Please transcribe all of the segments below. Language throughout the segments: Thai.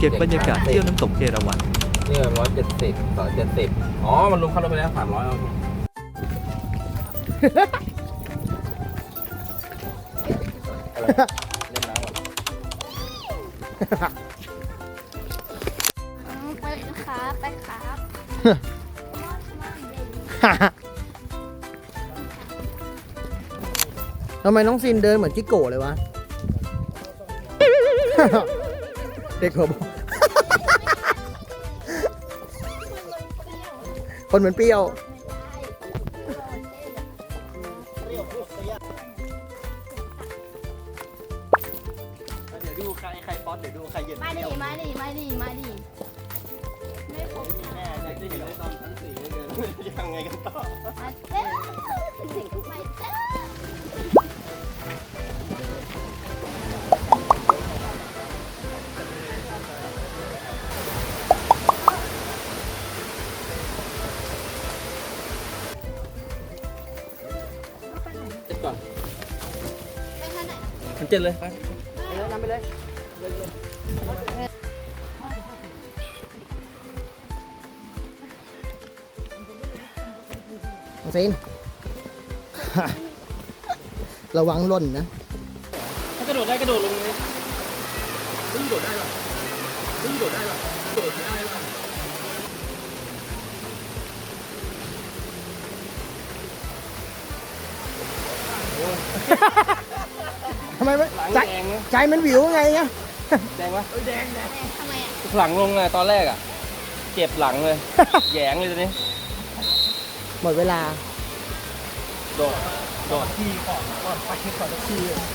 เก็บบรรยากาศเที่ยวน้ำตกเอราวัณนี่170 270อ๋อมันรวมค่ารถไปแล้ว300เอาเล่นน้ำก่อนไปครับไปครับทำไมน้องซินเดินเหมือนจิโก้เลยวะ เด็กหัวบอคนเหมือนเปรี้ยวเดี๋ยวดูใครป๊อตเดี๋ยวดูใครเย็นมาดิมาดิมาดิมาดิไม่ครบแม่จะเห็นได้ตอนชั้น4เลยยังไงกันต่อมาเจ้าไปเจ้าเจ็ดก่อนไปทางไหนมันเจ็ดเลยไปนำไปเลย น้องซิน ระวังหล่นนะถ้ากระโดดได้กระโดดลงเลยไม่โดดได้หรอไม่โดดได้หรอโดดได้หรอทำไมไม่หลังใจแดงนะใจมันวิวไงเนี่ยแดงวะทำไมอ่ะหลังลงอะตอนแรกอะเจ็บหลังเลย แหยงเลยตอนนี้หมดเวลาโดดโดดที่ก่อนไปก่อนที่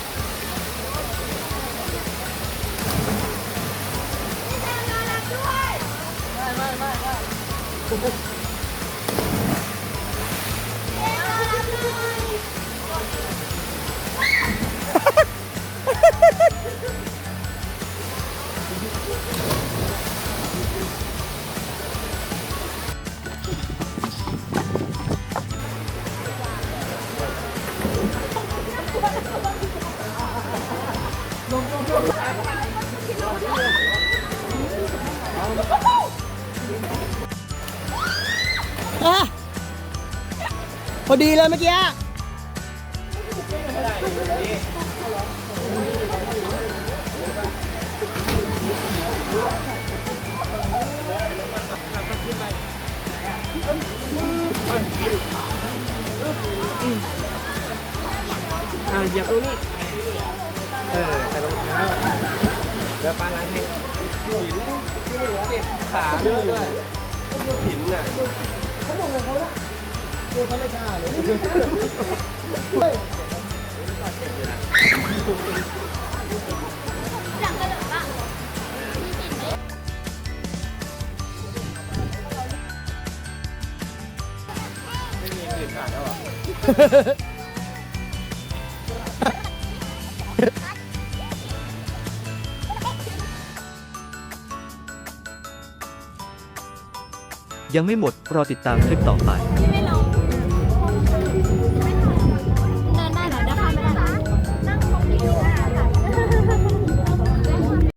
อ่ะพอดีเลยเมื่อกี้เหยียบตรงนี้ใส่รองเท้าเดี๋ยวปาล้างให้หินขาด้วยหินน่ะหลังกระโดดป่ะยังไม่หมดรอติดตามคลิปต่อไป